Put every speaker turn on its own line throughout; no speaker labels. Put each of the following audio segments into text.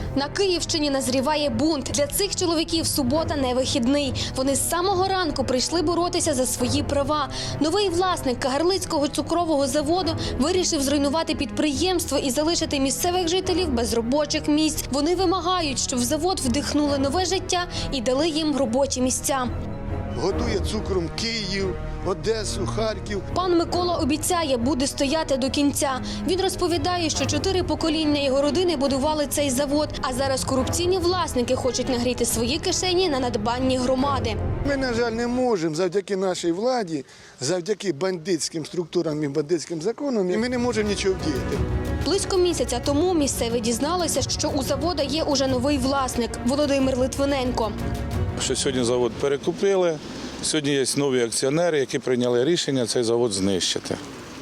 На Київщині назріває бунт. Для цих чоловіків субота не вихідний. Вони з самого ранку прийшли боротися за свої права. Новий власник Кагарлицького цукрового заводу вирішив зруйнувати підприємство і залишити місцевих жителів без робочих місць. Вони вимагають, щоб в завод вдихнули нове життя і дали їм робочі місця.
Годує цукром Київ, Одесу, Харків.
Пан Микола обіцяє, буде стояти до кінця. Він розповідає, що 4 покоління його родини будували цей завод, а зараз корупційні власники хочуть нагріти свої кишені на надбанні громади.
Ми, на жаль, не можемо завдяки нашій владі, завдяки бандитським структурам і бандитським законам, і ми не можемо нічого вдіяти.
Близько місяця тому місцеві дізналися, що у заводу є уже новий власник – Володимир Литвиненко.
Що сьогодні завод перекупили, сьогодні є нові акціонери, які прийняли рішення цей завод знищити.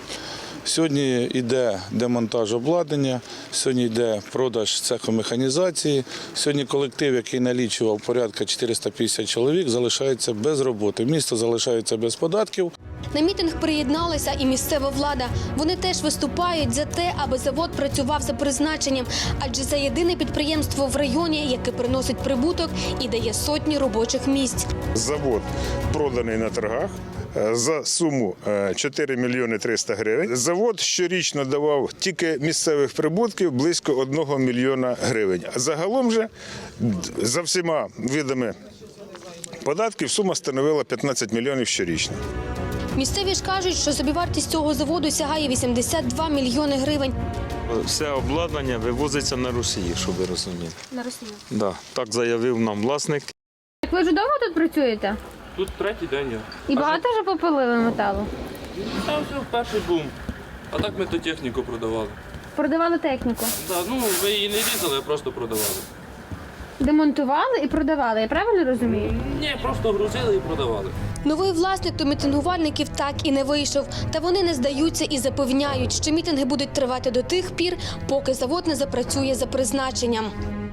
Сьогодні йде демонтаж обладнання, сьогодні йде продаж цеху механізації, сьогодні колектив, який налічував порядка 450 чоловік, залишається без роботи. Місто залишається без податків.
На мітинг приєдналася і місцева влада. Вони теж виступають за те, аби завод працював за призначенням, адже це єдине підприємство в районі, яке приносить прибуток і дає сотні робочих місць.
Завод проданий на торгах за суму 4 мільйони 300 гривень. Завод щорічно давав тільки місцевих прибутків близько 1 мільйона гривень. А загалом же за всіма видами податків сума становила 15 мільйонів щорічно.
Місцеві ж кажуть, що собівартість цього заводу сягає 82 мільйони гривень.
Все обладнання вивозиться на Росію, щоб ви розуміли.
На Росію.
Да, так заявив нам власник.
Ви вже довго тут працюєте?
Тут третій день я.
І багато вже попилили металу?
Там все перший бум. А так ми ту техніку продавали.
Продавали техніку?
Да, ну, ми її не різали, а просто продавали.
Демонтували і продавали, я правильно розумію?
Ні, просто грузили і продавали.
Новий власник до мітингувальників так і не вийшов. Та вони не здаються і запевняють, що мітинги будуть тривати до тих пір, поки завод не запрацює за призначенням.